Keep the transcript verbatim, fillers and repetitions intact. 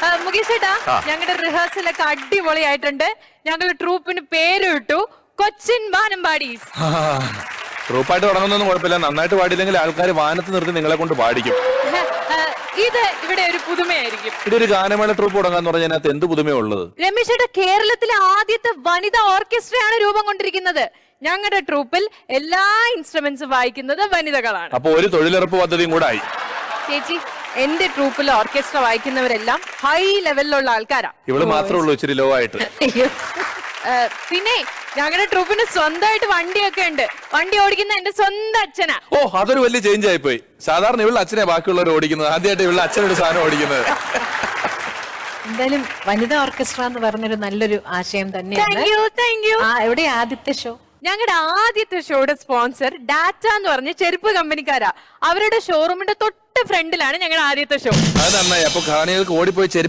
മുകേഷ് ചേട്ടാ, ഞങ്ങളുടെ റിഹേഴ്സലൊക്കെ അടിപൊളിയായിട്ടുണ്ട്. ഞങ്ങളുടെ ട്രൂപ്പിന് പേര് ഇട്ടു കൊച്ചിൻ വാനമ്പാടീസ്. ട്രൂപ്പായിട്ട് തുടങ്ങുന്നൊന്നും കുഴപ്പമില്ല. നന്നായിട്ട് പാടിയില്ലെങ്കിൽ ആൾക്കാർ വാനത്ത് നിർത്തി നിങ്ങളെ കൊണ്ട് പാടിക്കും. ഇത് ഇവിടെ ഒരു പുതുമയായിരിക്കും. ഇവിടെ ഒരു ഗാനമേള ട്രൂപ്പ് തുടങ്ങാന്ന് പറഞ്ഞാൽ അതിനകത്ത് എന്ത് പുതുമയുള്ളത്? രമേശ് ചേട്ടാ, കേരളത്തിലെ ആദ്യത്തെ വനിതാ ഓർക്കസ്ട്രയാണ് രൂപം കൊണ്ടിരിക്കുന്നത്. ഞങ്ങളുടെ ട്രൂപ്പിൽ എല്ലാ ഇൻസ്ട്രുമെന്റ്സും വായിക്കുന്നത് വനിതകളാണ്. അപ്പൊ ഒരു തൊഴിലുറപ്പ് പദ്ധതിയും കൂടെ ആയി. ചേച്ചി, എന്റെ ട്രൂപ്പിൽ ഓർക്കസ്ട്ര വായിക്കുന്നവരെല്ലാം ഹൈ ലെവലിലുള്ള ആൾക്കാരാ. ഇവള് മാത്രമേ ഉള്ളൂ ഇച്ചിരി ലോ ആയിട്ട്. പിന്നെ ഞങ്ങളുടെ ട്രൂപ്പിന് സ്വന്തമായിട്ട് വണ്ടിയൊക്കെ ഉണ്ട്. വണ്ടി ഓടിക്കുന്ന എന്റെ സ്വന്തം അച്ഛനാ. ഓ, അതൊരു വലിയ ചേഞ്ച് ആയിപ്പോയി. സാധാരണ ഇവളുടെ അച്ഛനെ ബാക്കിയുള്ളവർ ഓടിക്കുന്നത്. ആദ്യമായിട്ട് ഇവളുടെ അച്ഛനൊരു സാധനം ഓടിക്കുന്നത്. എന്തായാലും വനിതാ ഓർക്കസ്ട്ര എന്ന് പറഞ്ഞൊരു നല്ലൊരു ആശയം തന്നെയാണ്. എവിടെ ആദ്യത്തെ ഷോ? ഞങ്ങളുടെ ആദ്യത്തെ ഷോയുടെ സ്പോൺസർ ഡാറ്റ എന്ന് പറഞ്ഞ ചെരുപ്പ് കമ്പനിക്കാരാ. അവരുടെ ഷോറൂമിന്റെ തൊട്ട് ഫ്രണ്ടിലാണ് ഞങ്ങളുടെ ആദ്യത്തെ ഷോ. അത് നന്നായി. അപ്പൊ കാണികൾക്ക് ഓടിപ്പോയി